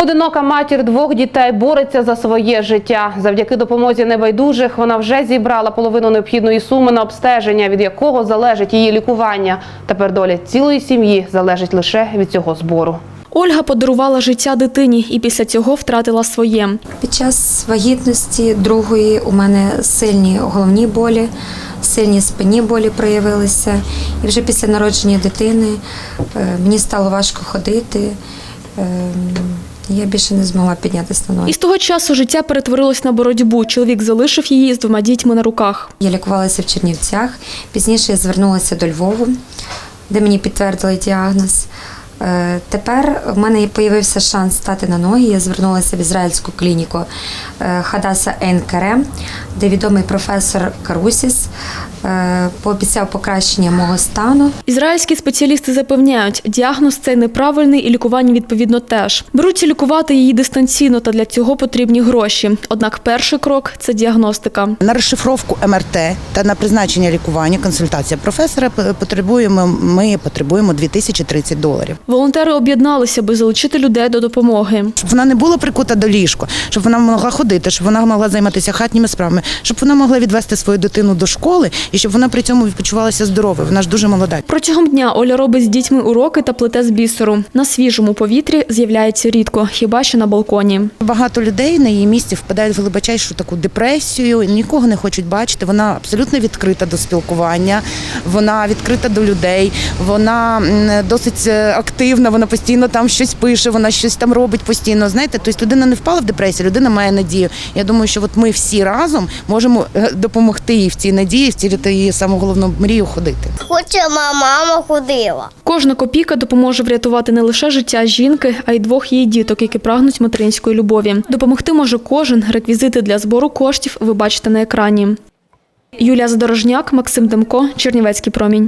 Одинока матір 2 дітей бореться за своє життя. Завдяки допомозі небайдужих вона вже зібрала половину необхідної суми на обстеження, від якого залежить її лікування. Тепер доля цілої сім'ї залежить лише від цього збору. Ольга подарувала життя дитині і після цього втратила своє. Під час вагітності другої у мене сильні головні болі, сильні спинні болі проявилися. І вже після народження дитини мені стало важко ходити. Я більше не змогла піднятися на ноги. І з того часу життя перетворилось на боротьбу. Чоловік залишив її з 2 дітьми на руках. Я лікувалася в Чернівцях. Пізніше я звернулася до Львова, де мені підтвердили діагноз. Тепер в мене з'явився шанс стати на ноги. Я звернулася в ізраїльську клініку Хадаса Ейн Керем, де відомий професор Карусіс пообіцяв покращення мого стану. Ізраїльські спеціалісти запевняють, діагноз цей неправильний і лікування відповідно теж. Беруться лікувати її дистанційно, та для цього потрібні гроші. Однак перший крок – це діагностика. На розшифровку МРТ та на призначення лікування, консультація професора ми потребуємо $2030. Волонтери об'єдналися, аби залучити людей до допомоги. Щоб вона не була прикута до ліжка, щоб вона могла ходити, щоб вона могла займатися хатніми справами, щоб вона могла відвести свою дитину до школи і щоб вона при цьому почувалася здоровою. Вона ж дуже молода. Протягом дня Оля робить з дітьми уроки та плете з бісеру. На свіжому повітрі з'являється рідко, хіба що на балконі. Багато людей на її місці впадають в глибочайшу таку депресію, нікого не хочуть бачити. Вона абсолютно відкрита до спілкування, вона відкрита до людей, вона досить активна, вона постійно там щось пише, вона щось там робить постійно. Знаєте, тобто людина не впала в депресію, людина має надію. Я думаю, що от ми всі разом можемо допомогти їй в цій надії, втілити її саму головну мрію – ходити. Хоче мама ходила. Кожна копійка допоможе врятувати не лише життя жінки, а й 2 її діток, які прагнуть материнської любові. Допомогти може кожен. Реквізити для збору коштів ви бачите на екрані. Юлія Задорожняк, Максим Демко, Чернівецький промінь.